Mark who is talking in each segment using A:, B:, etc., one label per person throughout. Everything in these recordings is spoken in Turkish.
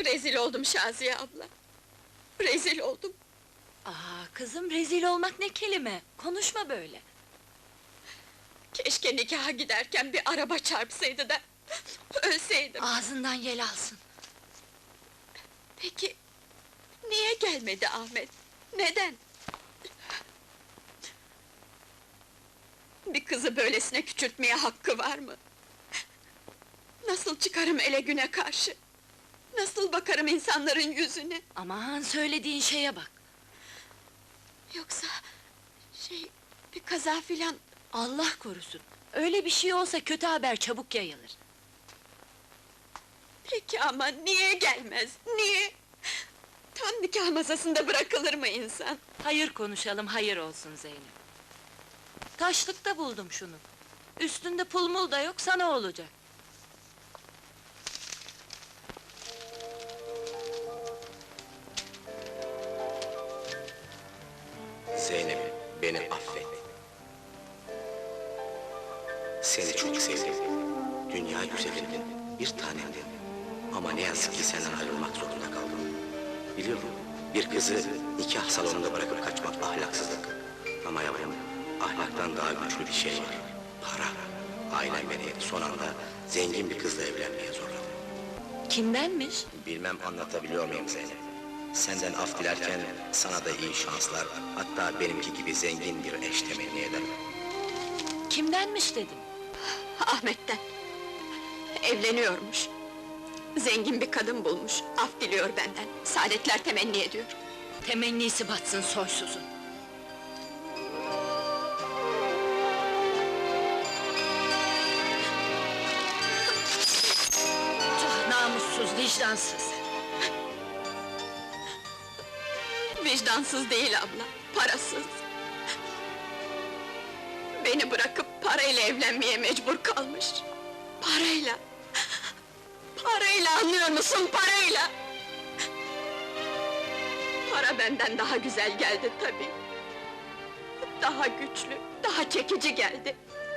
A: Rezil oldum Şaziye abla! Rezil oldum!
B: Kızım, rezil olmak ne kelime? Konuşma böyle!
A: Keşke nikaha giderken bir araba çarpsaydı da... ölseydim!
B: Ağzından yel alsın!
A: Peki... niye gelmedi Ahmet? Neden? Bir kızı böylesine küçültmeye hakkı var mı? Nasıl çıkarım ele güne karşı? Nasıl bakarım insanların yüzüne?
B: Aman, söylediğin şeye bak!
A: Yoksa... bir kaza filan...
B: Allah korusun! Öyle bir şey olsa kötü haber çabuk yayılır!
A: Peki ama niye gelmez, niye? Tam nikah masasında bırakılır mı insan?
B: Hayır konuşalım, hayır olsun Zeynep! Taşlıkta buldum şunu! Üstünde pul mul da yok, sana olacak!
C: Zeynep, beni affet. Seni çok sevdim. Dünya güzelindin, bir tanemdin. Ama ne yazık ki senden ayrılmak zorunda kaldım. Biliyorum, bir kızı nikah salonunda bırakıp kaçmak ahlaksızlık. Ama yavrum, ahlaktan daha güçlü bir şey var. Para. Ailem beni son anda zengin bir kızla evlenmeye zorladı.
B: Kimdenmiş?
C: Bilmem anlatabiliyor muyum Zeynep? Senden af dilerken sana da iyi şanslar, hatta benimki gibi zengin bir eş temenni ederim.
B: Kimdenmiş dedim?
A: Ahmet'ten! Evleniyormuş! Zengin bir kadın bulmuş, af diliyor benden, saadetler temenni ediyor.
B: Temennisi batsın soysuzun! Tüh, namussuz, vicdansız!
A: Vicdansız değil abla, parasız! Beni bırakıp parayla evlenmeye mecbur kalmış! Parayla! Parayla, anlıyor musun, parayla! Para benden daha güzel geldi tabii! Daha güçlü, daha çekici geldi!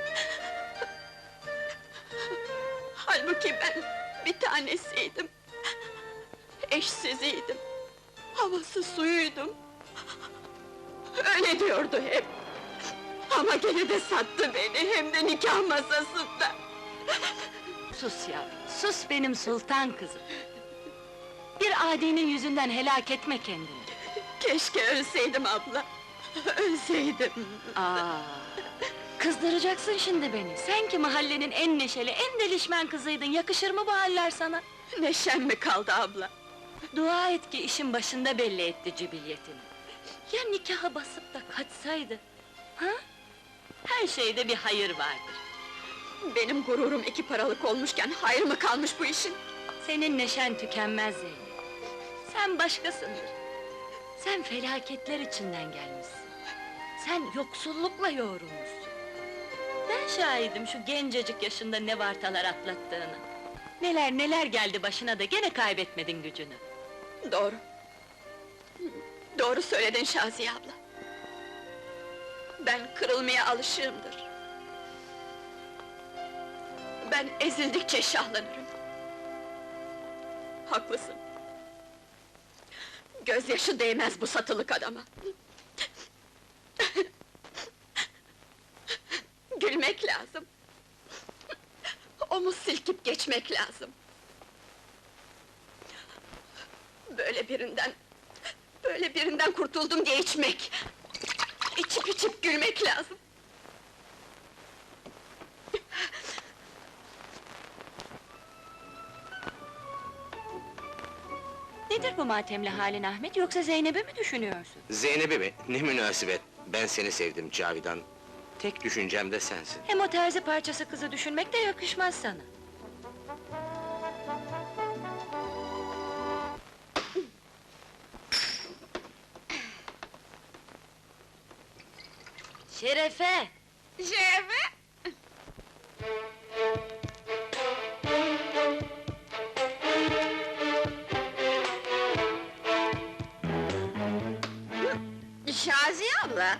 A: Halbuki ben bir tanesiydim! Eşsiziydim! Havası suyuydum! Öyle diyordu hep! Ama gene de sattı beni, hem de nikah masasında!
B: Sus yavrum, sus benim sultan kızım! Bir adinin yüzünden helak etme kendini!
A: Keşke ölseydim abla! Ölseydim!
B: Kızdıracaksın şimdi beni! Sen ki mahallenin en neşeli, en delişmen kızıydın, yakışır mı bu haller sana?
A: Neşem mi kaldı abla?
B: Dua et ki işin başında belli etti cibiliyetini! Ya nikaha basıp da kaçsaydı? Ha? Her şeyde bir hayır vardır!
A: Benim gururum iki paralık olmuşken, hayır mı kalmış bu işin?
B: Senin neşen tükenmez Zeynep! Sen başkasındır! Sen felaketler içinden gelmişsin! Sen yoksullukla yoğrulmuşsun! Ben şahidim şu gencecik yaşında ne vartalar atlattığını! Neler neler geldi başına da gene kaybetmedin gücünü!
A: Doğru! Doğru söyledin Şaziye abla! Ben kırılmaya alışığımdır! Ben ezildikçe şahlanırım! Haklısın! Gözyaşı değmez bu satılık adama! Gülmek lazım! Omuz silkip geçmek lazım! Böyle birinden kurtuldum diye içmek! İçip içip gülmek lazım!
B: Nedir bu matemli halin Ahmet, yoksa Zeynep'i mi düşünüyorsun?
C: Zeynep'i mi? Ne münasebet! Ben seni sevdim Cavidan. Tek düşüncem de sensin.
B: Hem o terzi parçası kızı düşünmek de yakışmaz sana! Şerefe!
A: Şerefe!
D: Şaziye abla!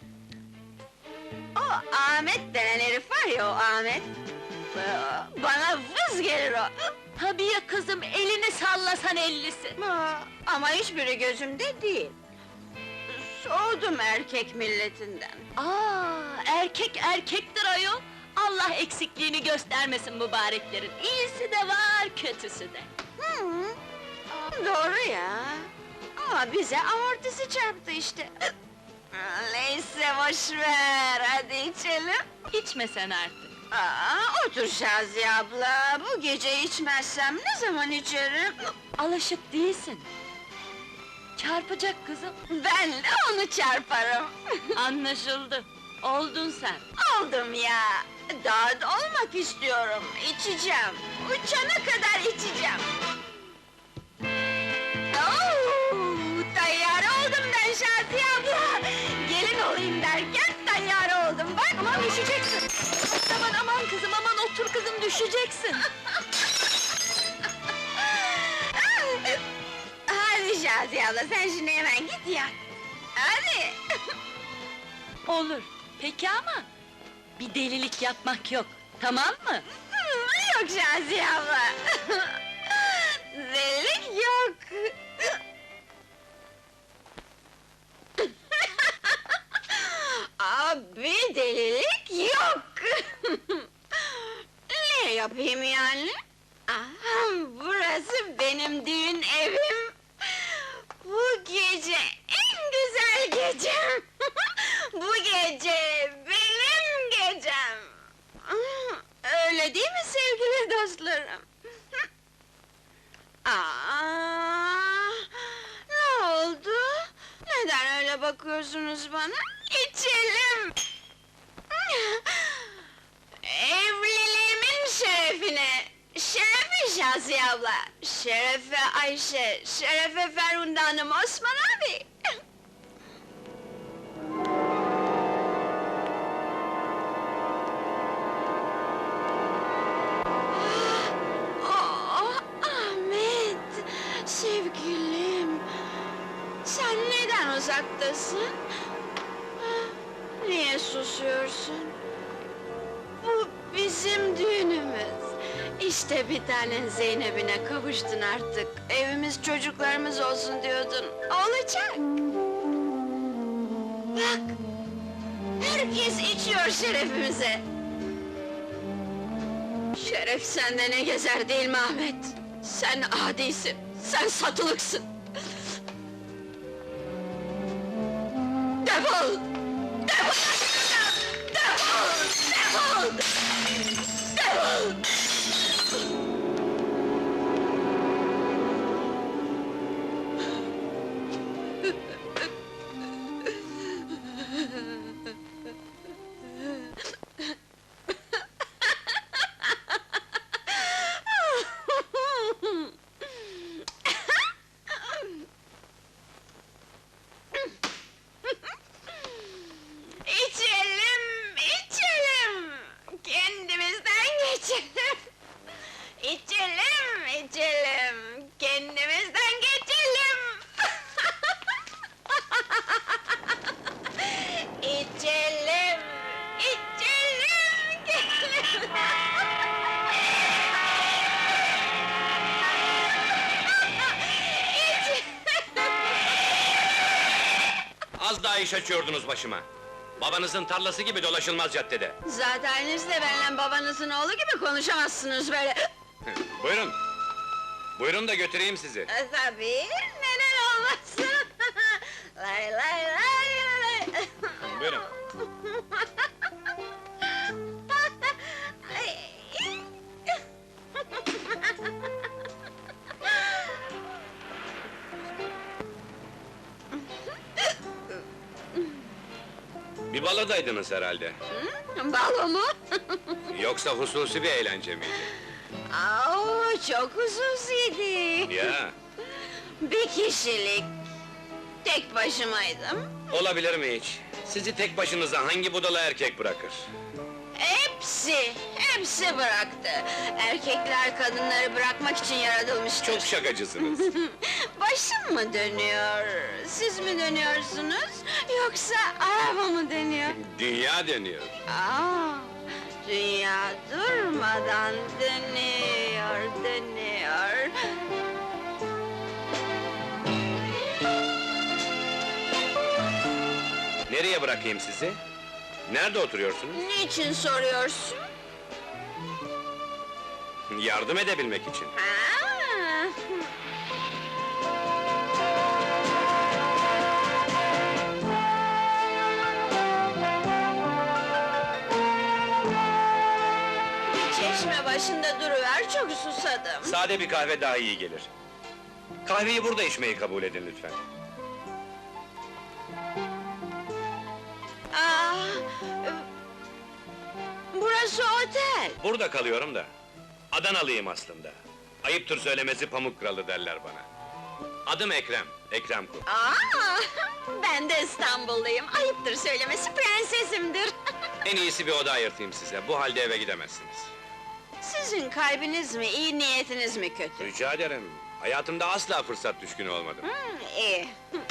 D: O Ahmet denen herif var ya, o Ahmet! Bana vız gelir o!
B: Tabii ya kızım, elini sallasan ellisi!
D: Ama hiçbiri gözümde değil. Soğudum erkek milletinden.
B: Erkek erkektir ayol! Allah eksikliğini göstermesin mübareklerin, iyisi de var, kötüsü de!
D: Doğru ya. Ama bize amortisi çarptı işte. Neyse boş ver, hadi içelim.
B: İçme sen artık!
D: Otur Şaziye abla, bu gece içmezsem ne zaman içerim?
B: Alışık değilsin! Çarpacak kızım!
D: Ben de onu çarparım.
B: Anlaşıldı! Oldun sen!
D: Oldum ya! Daha da olmak istiyorum, içeceğim. Uçana kadar içeceğim. Tayyare oldum ben Şaziye abla! Gelin olayım derken tayyare oldum, bak!
B: Aman düşeceksin! Aman kızım, aman otur kızım, düşeceksin!
D: Hadi Şaziye abla, sen şimdi hemen git yat! Hadi!
B: Olur, peki ama... Bir delilik yapmak yok, tamam mı?
D: Yok Şaziye abla! Delilik yok! Abi delilik yok! Ne yapayım yani? Burası benim düğün evim! Bu gece en güzel gecem! Bu gece benim gecem! Öyle değil mi sevgili dostlarım? Ne oldu? Neden öyle bakıyorsunuz bana? İçelim! Evliliğimin şerefine! Şerefe Şaziye abla! Şerefe Ayşe, şerefe Ferhunde Hanım, Osman abi! Ahmet! Sevgilim! Sen neden uzaktasın? Niye susuyorsun? Bu bizim düğünümüz. İşte bir tanen Zeynep'ine kavuştun artık. Evimiz çocuklarımız olsun diyordun. Olacak! Bak! Herkes içiyor şerefimize! Şeref sende ne gezer değil mi Ahmet? Sen adisin, sen satılıksın! Defol! Defol şuradan! Defol! Defol! Defol! İçelim, içelim! Kendimizden geçelim! İçelim, içelim! Kendimizden geçelim! İçelim, içelim! Geçelim!
E: Az daha iş açıyordunuz başıma. Babanızın tarlası gibi dolaşılmaz caddede.
D: Zaten siz de benimle babanızın oğlu gibi konuşamazsınız böyle.
E: Buyurun. Buyurun da götüreyim sizi.
D: Tabii, neden olmasın? Lay lay lay lay!
E: Buyurun.
D: Ay.
E: Bir baladaydınız herhalde.
D: Balo mu?
E: Yoksa hususi bir eğlence miydi?
D: Çok hususiydi.
E: Ya,
D: Bir kişilik. Tek başımaydım.
E: olabilir mi hiç? Sizi tek başınıza hangi budala erkek bırakır?
D: Hepsi bıraktı. Erkekler kadınları bırakmak için yaratılmıştır.
E: Çok şakacısınız.
D: Başım mı dönüyor? Siz mi dönüyorsunuz? Yoksa araba mı dönüyor?
E: Dünya dönüyor.
D: Dünya durmadan dönüyor. deniyor.
E: Nereye bırakayım sizi? Nerede oturuyorsunuz?
D: Niçin soruyorsun?
E: Yardım edebilmek için.
D: Ha? Bir çeşme başında duruver, çok susadım.
E: Sade bir kahve daha iyi gelir. Kahveyi burada içmeyi kabul edin lütfen.
D: Aa, burası otel.
E: Burada kalıyorum da. Adanalıyım aslında. Ayıptır söylemesi Pamuk Kralı derler bana. Adım Ekrem, Ekrem Kul.
D: Aa, ben de İstanbulluyum. Ayıptır söylemesi, prensesimdir.
E: En iyisi bir oda ayırtayım size, bu halde eve gidemezsiniz.
D: Sizin kalbiniz mi, iyi niyetiniz mi kötü?
E: Rica ederim, hayatımda asla fırsat düşkünü olmadım.
D: İyi.